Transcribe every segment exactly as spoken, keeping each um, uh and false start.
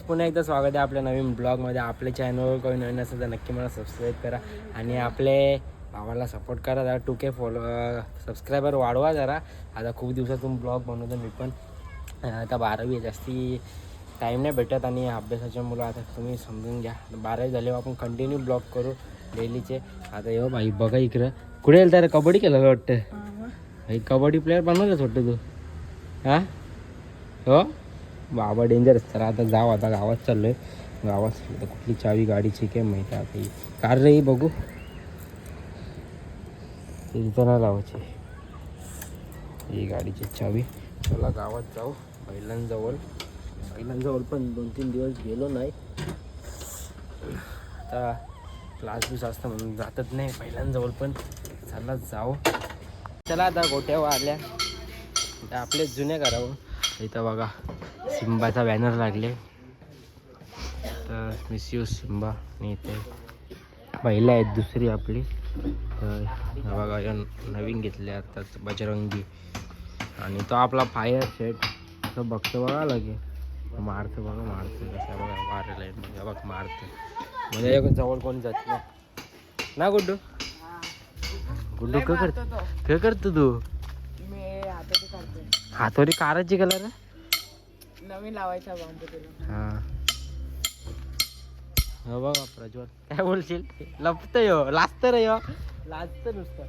पुन्हा एकदा स्वागत आहे आपल्या नवीन ब्लॉगमध्ये. आपल्या चॅनलवर कोणी नवीन असेल तर नक्की मला सबस्क्राईब करा आणि आपले भावाला सपोर्ट करा. जरा टू के फॉलो सबस्क्रायबर वाढवा जरा. आता खूप दिवसातून ब्लॉग बनवतो मी पण. आता बारावी जास्ती टाईम नाही भेटत आणि अभ्यासाच्या मुलं आता तुम्ही समजून घ्या. बारावी झाल्यावर आपण कंटिन्यू ब्लॉग करू डेलीचे. आता येऊ बाई बघा इकडं कुठे येईल तर कबड्डी केलं वाटतं. भाई कबड्डी प्लेअर बनवलंच वाटतं तू. हां हो बाबा डेंजरस. तर आता जाऊ, आता गावात चाललो आहे. गावात तर कुठली चावी गाडीची काय माहिती आहे. आता ही कार रे बघू तिथं नाही लावायची ही गाडीची चावी. चला गावात जाऊ बैलांजवळ. बैलांजवळ पण दोन तीन दिवस गेलो नाही. आता क्लास बीस असतं म्हणून जातच नाही बैलांजवळ पण. चला जाऊ. चला आता गोट्यावर आल्या आता आपले जुन्या घरावर. इथं बघा सिम्बाचा बॅनर लागले तर मिस यू सिम्बा. आणि इथे पहिला आहेत दुसरी आपली. तर बघा या नवीन घेतले आताच बजरंगी. आणि तो आपला फायर सेट असं बघतो बघा लगे मारतं बघा मारतं कसं बघा मारायला आहे म्हणजे बघ मारतं म्हणजे जवळ कोणी जात नाही ना. गुड्डू गुड्डू काय करतो काय करतो तू. हातोरी काराची कलर नवीन लावायचा हा हो बघा प्रज्वल काय बोलशील. लपत यो लाजत रे यो लाजत नुसतं.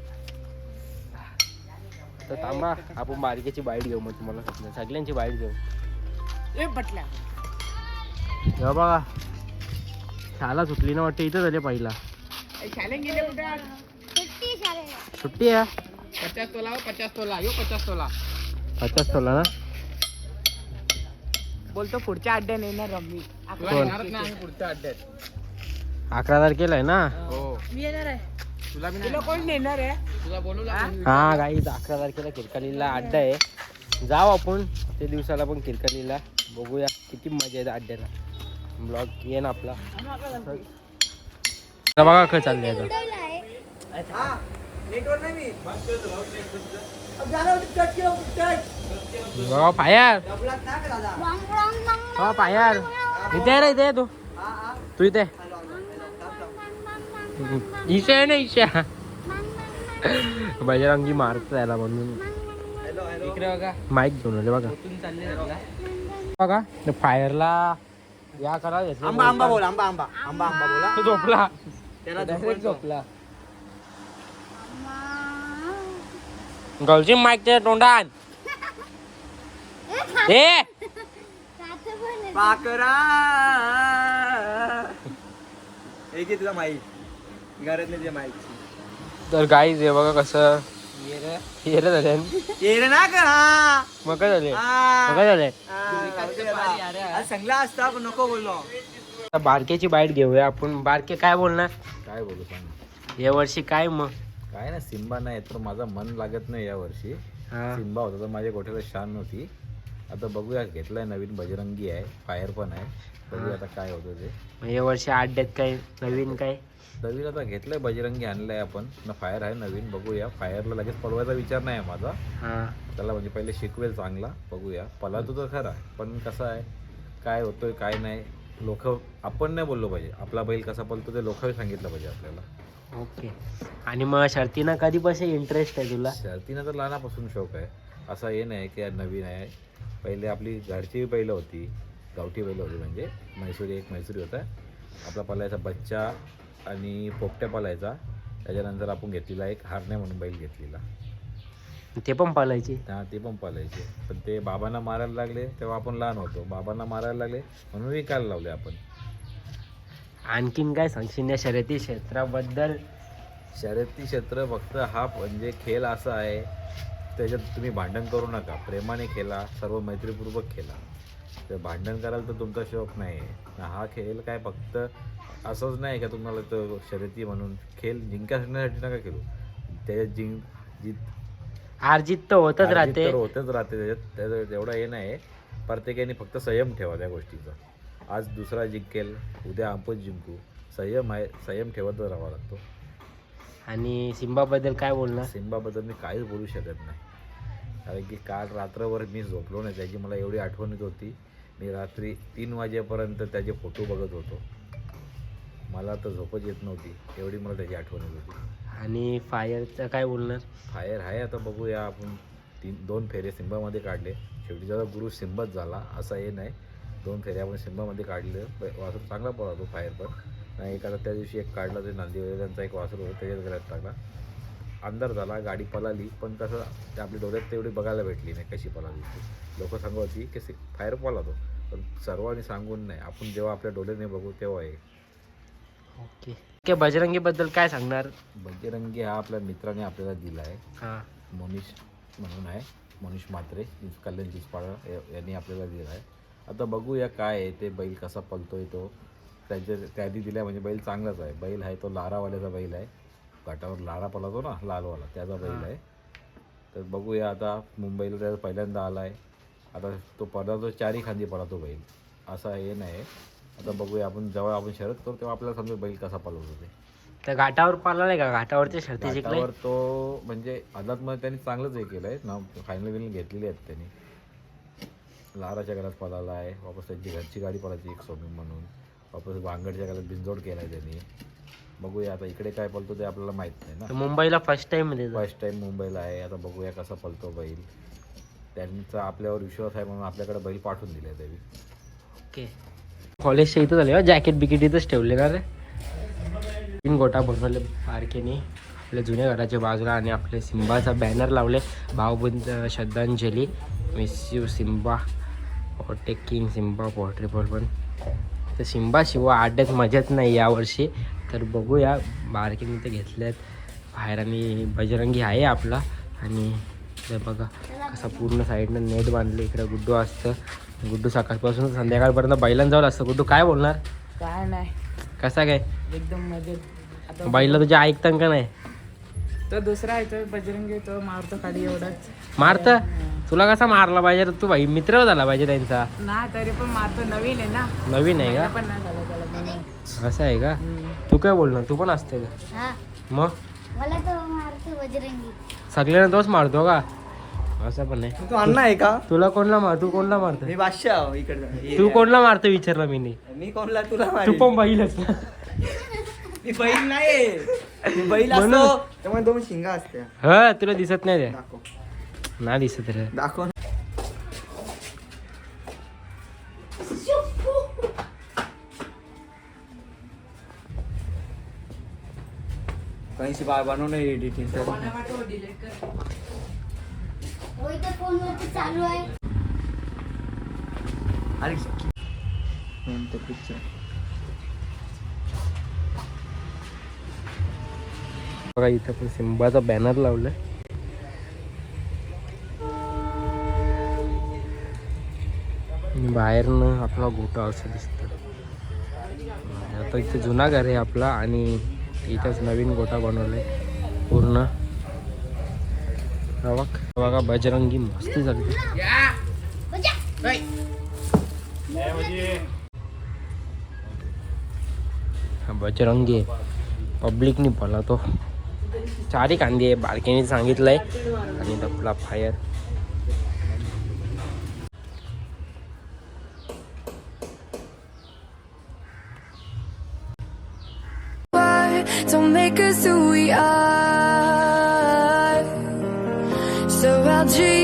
तर थांबा आपण बारकेची बाईट घेऊ मग तुम्हाला सगळ्यांची बाईट घेऊ. हो बघा शाळा सुटली ना वाटते. इथं झाले पहिला सुट्टी आहे. पचास तोला पचास तोला यो पचास तोला पचास तोला ना. बोलतो पुढच्या अड्ड्यात येणार रम्मी. पुढच्या अड्ड्यात अकरा तारखेला आहे ना. हो मी येणार आहे. तुला बी तुला कोण नेणार आहे. तुला बोलवलं हा गाईज अकरा तारखेला किरकालीला अड्डा आहे. जाऊ आपण ते दिवसाला पण किरकालीला. बघूया किती मजा येते अड्ड्याला. ब्लॉग येईन आपला. बघा काय चाललंय आता. बघा फायर हो फायर इथे रे इथे तू तू इथे ईशा आहे ना ईशा. बजरंगी मारत यायला म्हणून इकडे बघा माईक घेऊन आले बघा. बघा फायरला या करा. आंबा आंबा बोल आंबा आंबा आंबा आंबा बोला. तो झोपला त्याला डायरेक्ट झोपला. गलजी माईक त्या तोंडात ए पाकरा एक तुझा माईक घरात नाही माईक. तर गाईज हे बघा कसं येरे झाले येरे ना का मग काय झाले मग काय झाले. चांगला असता पण नको बोललो. बारकेची बाईट घेऊया आपण. बारके काय बोलणार. काय बोलू सांग. या वर्षी काय मग काय ना सिम्बा नाही तर माझं मन लागत नाही या वर्षी. हा सिम्बा होता तर माझ्या गोठ्याला शान नव्हती. आता बघूया घेतलाय नवीन बजरंगी आहे फायर पण आहे. बघूया आता काय होतं ते. मग या वर्षी अड्ड्यात काय नवीन काय. नवीन आता घेतलंय बजरंगी आणलाय आपण ना. फायर आहे नवीन. बघूया फायरला लगेच पळवायचा विचार नाही आहे माझा. हा त्याला म्हणजे पहिले शिकवेल चांगला. बघूया पळातो तर खरा पण कसं आहे काय होतोय काय नाही. लोक आपण नाही बोललो पाहिजे. आपला बैल कसा पळतो ते लोकांनी सांगितलं पाहिजे आपल्याला. ओके. आणि मग शर्तीनं कधीपासून इंटरेस्ट आहे तुला. शर्तीनं तर लहानापासून शौक आहे. असा हे नाही की नवीन आहे. पहिले आपली घरची बैलं होती गावठी बैलं होती म्हणजे म्हैसूरी एक म्हैसूरी होता आपला पालायचा बच्चा आणि पोपट्या पालायचा. त्याच्यानंतर आपण घेतलेला एक हारण्या म्हणून बैल घेतलेला. ते पण पालायची. हां ते पण पालायचे पण ते बाबांना मारायला लागले तेव्हा आपण लहान होतो. बाबांना मारायला लागले म्हणून विकायला लावले आपण. आणखीन काय सांगशील या शर्यती क्षेत्राबद्दल. शर्यती क्षेत्र फक्त हा म्हणजे खेळ असा आहे त्याच्यात तुम्ही भांडण करू नका. प्रेमाने खेळा. सर्व मैत्रीपूर्वक खेळा. तर भांडण कराल तर तुमचा शौक नाही आहे. हा खेळ काय फक्त असंच नाही का तुम्हाला तो शर्यती म्हणून खेळ जिंकण्यासाठी नका खेळू. त्याच्यात जिंक जित हार जीत तर होतच राहते. तर होतच राहते त्याच्यात. त्याचं एवढं हे नाही. प्रत्येकाने फक्त संयम ठेवा त्या गोष्टीचा. आज दुसरा जिंकेल उद्या आपण जिंकू. संयम आहे. संयम ठेवतच राहावा लागतो. आणि सिम्बाबद्दल काय बोलणार. सिम्बाबद्दल मी काहीच बोलू शकत नाही कारण की काल रात्रभर मी झोपलो नाही. त्याची मला एवढी आठवण येत होती मी रात्री तीन वाजेपर्यंत त्याचे फोटो बघत होतो. मला तर झोपच येत नव्हती, एवढी मला त्याची आठवण येत होती. आणि फायरचं काय बोलणार? फायर आहे, आता बघूया आपण. तीन दोन फेरे सिंबामध्ये काढले. शेवटी त्याचा गुरु सिंबाच झाला असं हे नाही. दोन फेरे आपण सिंबामध्ये काढले. वासरू चांगला पळतो फायर पण नाही. एक आता त्या दिवशी एक काढला, ते नांदिवलीचा एक वासरू होतं, त्याच्यात गळ्यात टाकला. अंधार झाला, गाडी पळाली, पण कसं ते आपल्या डोळ्यात तेवढी बघायला भेटली नाही कशी पळाली. लोक सांगत होती की सि फायर पळतो, पण सर्वांनी सांगून नाही, आपण जेव्हा आपल्या डोळ्याने बघू तेव्हा आहे. ओके ओके बजरंगीबद्दल काय सांगणार? बजरंगी हा आपल्या मित्राने आपल्याला दिला आहे. हां, मनीष म्हणून आहे, मनीष म्हात्रे, कल्याण चिचपाडा यांनी आपल्याला दिला आहे. आता बघूया काय आहे ते, बैल कसा पळतोय तो. त्याच्या त्याआधी दिला म्हणजे बैल चांगलाच आहे. बैल आहे तो लारावाल्याचा बैल आहे, घाटावर लारा पळतो ना लालवाला, त्याचा बैल आहे. तर बघूया आता, मुंबईला त्याचा पहिल्यांदा आला आहे. आता तो पळतो चारी खांदी पळतो बैल, असं हे नाही. आता बघूया आपण, जेव्हा आपण शर्यत करू तेव्हा आपल्याला समजेल बैल कसा पळवतो ते. तर घाटावर पाळला नाही का? घाटावरच्या शर्ती जिंकले घाटावर तो म्हणजे आदातमध्ये त्यांनी चांगलंच हे केलं आहे ना, फायनल बिनल घेतलेली आहेत त्यांनी. लाराच्या घरात पळाला आहे, वापस त्यांची घरची गाडी पळायची एक सोमी म्हणून, वापस भांगडच्या घरात बिंजोड केला आहे त्यांनी. बघूया आता इकडे काय पळतो ते आपल्याला माहीत नाही ना. मुंबईला फर्स्ट टाइम मध्ये फर्स्ट टाइम मुंबईला आहे. आता बघूया कसा पळतो बैल. त्यांचा आपल्यावर विश्वास आहे म्हणून आपल्याकडे बैल पाठवून दिले त्यांनी. ओके, कॉलेजच्या इथं झाले जॅकेट बिकेट इथंच ठेवले का रे? तीन गोटा बनवले बारकेने आपल्या जुन्या घराच्या बाजूला, आणि आपले सिम्बाचा बॅनर लावले, भावबंद श्रद्धांजली, miss you Simba, taking Simba portable. पण तर सिम्बा शिवाय आड्यात मजाच नाही यावर्षी. तर बघूया, बारकेने ते घेतल्यात बाहेर, आणि बजरंगी आहे आपला. आणि ते बघा कसा पूर्ण साईडनं नेट बांधले. इकडं गुड्डू असतं, गुड्डू सकाळपासून संध्याकाळपर्यंत बैलांजवळ असतं. गुड्डू काय बोलणार? काय नाही, कसा काय एकदम मजेत. आता बैला तुझ्या ऐकतं का नाही? तो दुसरा आहे, तो बजरंगी, तो मारतो खाली एवढाच. मारत तुला कसा मारला पाहिजे? तू भाई मित्र झाला पाहिजे त्यांचा. ना तरी पण मारतो, नवीन आहे ना. नवीन आहे का? पण नाही झालं त्याला पण. असं आहे का? हम्म. तू काय बोलणार? तू पण असते का? हा मग मला तो मारतो बजरंगी. सगळ्यांना तोच मारतो का? असं पण नाही. तू अण्णा आहे का? तुला कोणला मार तू कोणला मारतो? मी बादशाह इकडे. तू कोणला मारतो विचारला मी नाही. मी कोणला तुला तू मारेन. पण बैलच ना. मी बैल नाही, मी बैल असतो म्हणून- त्यामुळे दोन शिंगा असत्या. ह तुला दिसत नाही रे? दाखव नाही दिसत रे. दाखव. कहीं बार बनवणे एडिटिंग कर. होय तर फोनवरती चालू आहे. अरे नंतर पिक्चर. बघा इथं पण सिम्बाचा बॅनर लावलाय. आणि बाहेरनं आपला गोटा असं दिसतं. आता इथं जुना घर आहे आपला, आणि इथंच नवीन गोटा बनवलाय पूर्ण. हा बघ, बघा बजरंगी मस्ती झाली. हा बजरंगी पब्लिकनी पळा तो. चारी कांदी आहे, बारकेने सांगितलंय. आणि आपला fire. Don't make us who we are. So I'll dream